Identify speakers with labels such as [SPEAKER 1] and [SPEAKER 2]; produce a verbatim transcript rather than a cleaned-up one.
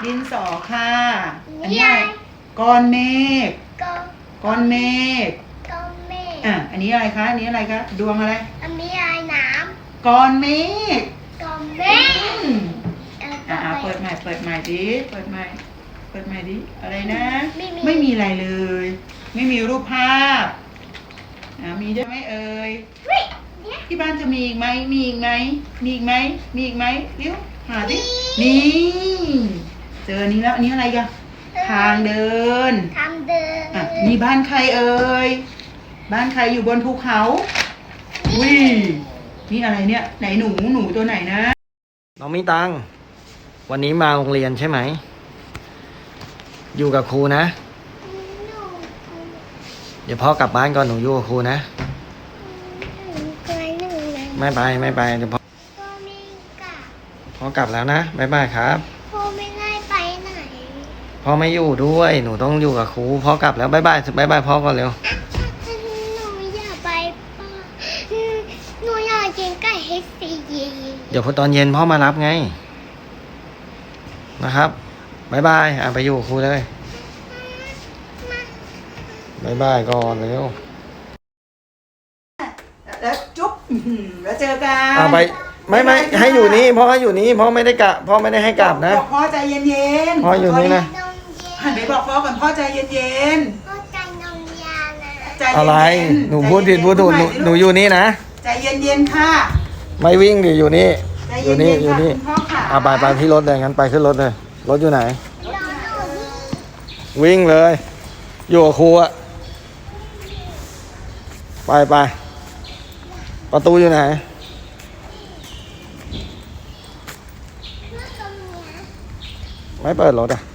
[SPEAKER 1] ดินสอค่ะอันนี้อะไรก้อนเมฆก้อนเมฆ
[SPEAKER 2] ก้อนเมฆ
[SPEAKER 1] อ่ะอันนี้อะไรคะอันนี้อะไรคะดวงอะไร
[SPEAKER 2] อันนี้อะไรน้
[SPEAKER 1] ำก้อนเมฆ
[SPEAKER 2] ำก้อนเมฆ
[SPEAKER 1] อ่าเปิดใหม่เปิดใหม่ดิเปิดใหม่เปิดใหม่ดิอะไรนะ
[SPEAKER 2] ไม่มี
[SPEAKER 1] ไม่มีอะไรเลย ไม่มีรูปภาพอ่ามีได้ไหมเอ่ยที่บ้านจะมีอีกไหมมีอีกไหมมีอีกไหมมีอีกไหมเร็วหาดินี่เจออันนี้แล้วอันนี้อะไรกันทางเดิน
[SPEAKER 2] ทางเดิน
[SPEAKER 1] อ่ะนี่บ้านใครเอ่ยบ้านใครอยู่บนภูเขาอุ้ยนี่อะไรเนี่ยไหนหนูหนูตัวไหนนะ
[SPEAKER 3] น้องมิตังวันนี้มาโรงเรียนใช่ไหมอยู่กับครูนะเดี๋ยวพ่อกลับบ้านก่อนหนูอยู่กับครูนะไม่ไปไม่ไปเดี๋ยวพ่อ
[SPEAKER 2] พ่อไม่กลับ
[SPEAKER 3] พ่อกลับแล้วนะบ๊ายบายครับ
[SPEAKER 2] พ่อไม่ได้ไปไหน
[SPEAKER 3] พ่อไม่อยู่ด้วยหนูต้องอยู่กับครูพ่อกลับแล้วบ๊ายบายบ๊ายบายพ่อก่อนเร็ว
[SPEAKER 2] หนูอยากไปป้าหนูอยากกินไก่เฮสซี
[SPEAKER 3] เดี๋ยวพอตอนเย็นพ่อมารับไงนะครับบ๊ายบายอ่ะไปอยู่กับครูเลยบ๊ายบายก่อนเร็ว
[SPEAKER 1] แล้วจุ๊บแล้วเจอกัน
[SPEAKER 3] อ่ะไปไม่ไม่ให้อยู่นี่พ่อให้อยู่นี่พ่อไม่ได้กะพ่อไม่ได้ให้กลับนะ
[SPEAKER 1] บอกพ่อใจเย็นๆ
[SPEAKER 3] พ่ออยู่นี่นะ
[SPEAKER 1] หันไปบอกพ่อก่อนพ่อใจเย็น
[SPEAKER 2] ๆพ่อใจนมยานะ
[SPEAKER 3] อะไรหนูพูดผิดพูดถูกหนูหนูอยู่นี่นะ
[SPEAKER 1] ใจเย็นๆค่ะ
[SPEAKER 3] ไม่วิ่งดิอยู่นี่
[SPEAKER 1] อ
[SPEAKER 3] ยู่นี่อยู่นี่อ่ะไปไปที่รถเลยงั้นไปขึ้นรถเลยรถอยู่ไหนวิ่งเลยอยู่กับครูอะไปไปประตูอยู่ไหนไม่เปิดรถอ่ะ